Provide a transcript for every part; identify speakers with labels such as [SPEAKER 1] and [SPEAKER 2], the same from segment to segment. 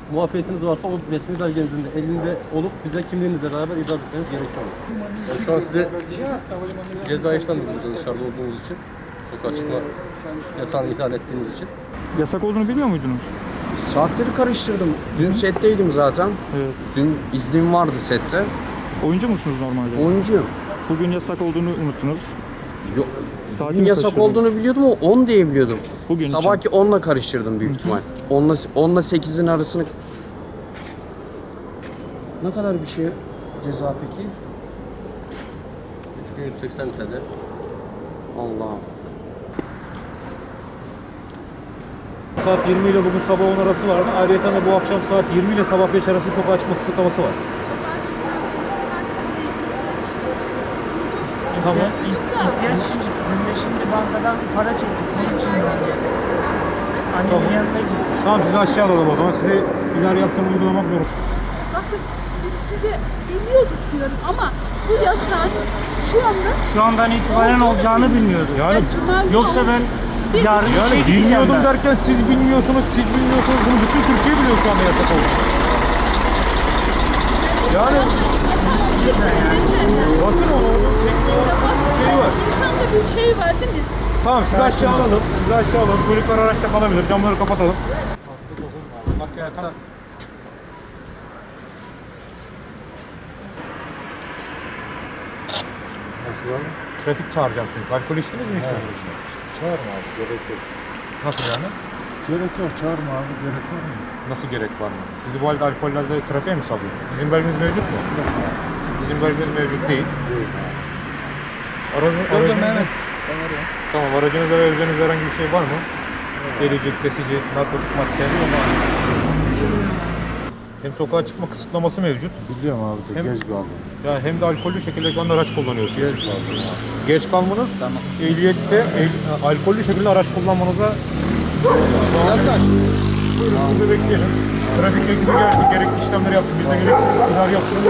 [SPEAKER 1] muafiyetiniz varsa o resmi belgenizin de elinde olup bize kimliğinizle beraber ibraz etmeniz gerekiyor. Yani şu an size ceza işlem yapıyoruz dışarıda olduğunuz için. Sokağa çıkma yasağını ihlal ettiğiniz için.
[SPEAKER 2] Yasak olduğunu bilmiyor muydunuz?
[SPEAKER 3] Saatleri karıştırdım. Dün setteydim zaten.
[SPEAKER 2] Evet.
[SPEAKER 3] Dün iznim vardı sette.
[SPEAKER 2] Oyuncu musunuz normalde?
[SPEAKER 3] Oyuncuyum.
[SPEAKER 2] Bugün yasak olduğunu unuttunuz.
[SPEAKER 3] Yok.
[SPEAKER 2] Saati
[SPEAKER 3] Bugün
[SPEAKER 2] mi
[SPEAKER 3] yasak
[SPEAKER 2] kaçırdınız?
[SPEAKER 3] olduğunu biliyordum ama 10 diye biliyordum.
[SPEAKER 2] Bugün
[SPEAKER 3] Sabahki 10'la karıştırdım büyük ihtimal. 10'la 8'in arasını... Ne kadar bir şey ceza peki?
[SPEAKER 1] 3180 TL.
[SPEAKER 3] Allah'ım.
[SPEAKER 4] Saat 20 ile bugün sabah 10 arası vardı. Ayrıca da bu akşam saat 20 ile sabah 5 arası sokağa çıkma kısıtlaması var. Tamam.
[SPEAKER 5] İhtiyaç için çıktım. Ben de şimdi bankadan para çektik. Onun için geldim. Annemin yanına gittim.
[SPEAKER 4] Tamam, sizi aşağı alalım o zaman. Size ileri yaptığım uygulamak zorunda.
[SPEAKER 6] Bakın biz size biliyorduk diyorum ama bu yasak şu
[SPEAKER 5] andan itibaren olacağını bilmiyordum.
[SPEAKER 4] Yani
[SPEAKER 6] Cuma günü
[SPEAKER 5] Yoksa ben yarın
[SPEAKER 4] yani
[SPEAKER 5] şey diyeceğim
[SPEAKER 4] bilmiyordum
[SPEAKER 5] ben.
[SPEAKER 4] derken siz bilmiyorsunuz, siz bilmiyorsunuz. Bunu bütün Türkiye biliyor şu anda yasak olduğunu. Yani basın onu, çekme şeyi var.
[SPEAKER 6] insanda bir şey var değil mi?
[SPEAKER 4] Tamam, sizi aşağı alalım. Sizi aşağı alalım. Çocuklar araçta kalabilir. Camları kapatalım. Trafik çağıracağım çünkü. Alkol içtiniz mi içmediniz mi?
[SPEAKER 7] Çağırma abi, gerek yok.
[SPEAKER 4] Nasıl yani?
[SPEAKER 7] Gerek yok, çağırma abi, gerek var mı?
[SPEAKER 4] Nasıl gerek var mı? Sizi bu halde alkollerde trafiğe mi salıyor? İzin belgeniz mevcut mu? İzin belgeniz mevcut değil. Aracınızda... Tamam, aracınızda ve üzerinizde herhangi bir şey var mı? Delici, kesici, narkotik madde. Hem sokağa çıkma kısıtlaması mevcut.
[SPEAKER 7] Biliyorum abi de
[SPEAKER 4] Hem-
[SPEAKER 7] geç kaldım.
[SPEAKER 4] Yani hem de alkollü şekilde şu anda araç kullanıyorsunuz.
[SPEAKER 7] Geç kaldım abi.
[SPEAKER 4] Geç kalmanız, ehliyette alkollü şekilde araç kullanmanıza yasak. Burada bekleyelim. Trafik ekibi gelsin, gerekli işlemleri yapsın. Biz de gerekli idari yapsın.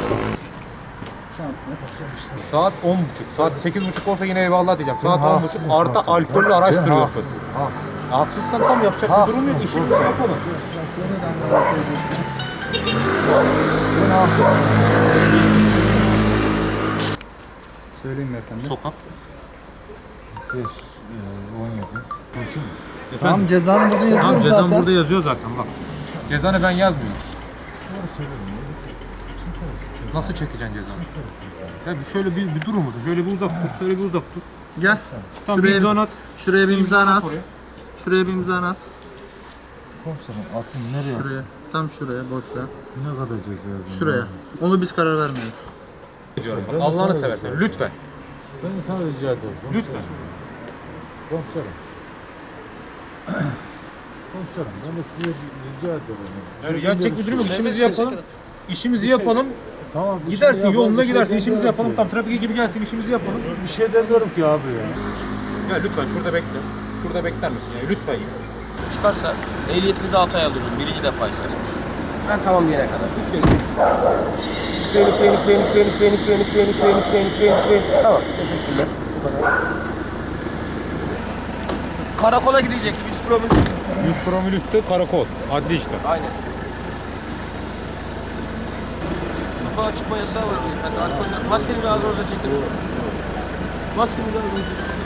[SPEAKER 4] Saat 10.30. Saat 8.30 olsa yine eyvallah diyeceğim. Saat 10.30 artı alkollü araç sürüyorsun. Haksızsan tam yapacak bir durum yok. İşimizi yapalım.
[SPEAKER 7] Söyleyeyim mi efendim?
[SPEAKER 4] Sokak.
[SPEAKER 7] 17.
[SPEAKER 8] Tamam cezanı burada yazıyorum
[SPEAKER 4] Tamam, cezam
[SPEAKER 8] zaten.
[SPEAKER 4] burada yazıyor zaten bak. Cezanı ben yazmıyorum. Nasıl çekeceksin cezanı? Ya şöyle bir durur musun? Şöyle bir uzak dur. Şöyle bir uzak dur.
[SPEAKER 8] Gel.
[SPEAKER 4] Tamam, bir imza at.
[SPEAKER 8] Şuraya bir imza at.
[SPEAKER 4] Oraya.
[SPEAKER 8] Şuraya bir imza at.
[SPEAKER 7] Komiserim aklım nereye?
[SPEAKER 8] Şuraya. Tam şuraya boşla.
[SPEAKER 7] Ne kadar ceza yazdım?
[SPEAKER 8] Şuraya. Onu biz karar vermiyoruz.
[SPEAKER 4] Diyorum. Bak, Allah'ını seversen lütfen.
[SPEAKER 7] Ben sana rica ederim.
[SPEAKER 4] Lütfen.
[SPEAKER 7] Komiserim. Komiserim ben de size rica ederim.
[SPEAKER 4] Yani gerçek bir durum yok. İşimizi yapalım. İşimizi yapalım.
[SPEAKER 7] Tamam. bir
[SPEAKER 4] Gidersin
[SPEAKER 7] şey
[SPEAKER 4] yoluna
[SPEAKER 7] yapalım,
[SPEAKER 4] gidersin.
[SPEAKER 7] bir şey
[SPEAKER 4] İşimizi yapalım.
[SPEAKER 7] demiyorum.
[SPEAKER 4] Tam trafik ekibi gelsin. İşimizi yapalım.
[SPEAKER 7] Bir şey demiyorum ki abi ya.
[SPEAKER 4] Ya lütfen şurada bekle. Şurada bekler misin ya? Lütfen ya.
[SPEAKER 1] Çıkarsa ehliyetinizi 6 ay alıyorum. Birinci defa isterseniz. Ben tamam diyene kadar. Üfleyin. Tamam. Teşekkürler. Bu kadar. Karakola gidecek. 100 promil.
[SPEAKER 4] 100 promil üstü karakol. Adli işlem.
[SPEAKER 1] Aynen. Sokağa çıkma yasağı var beyefendi. Alkol. Maskeni bir ağzınıza çekin. Maskeni bir ağzınıza çekin.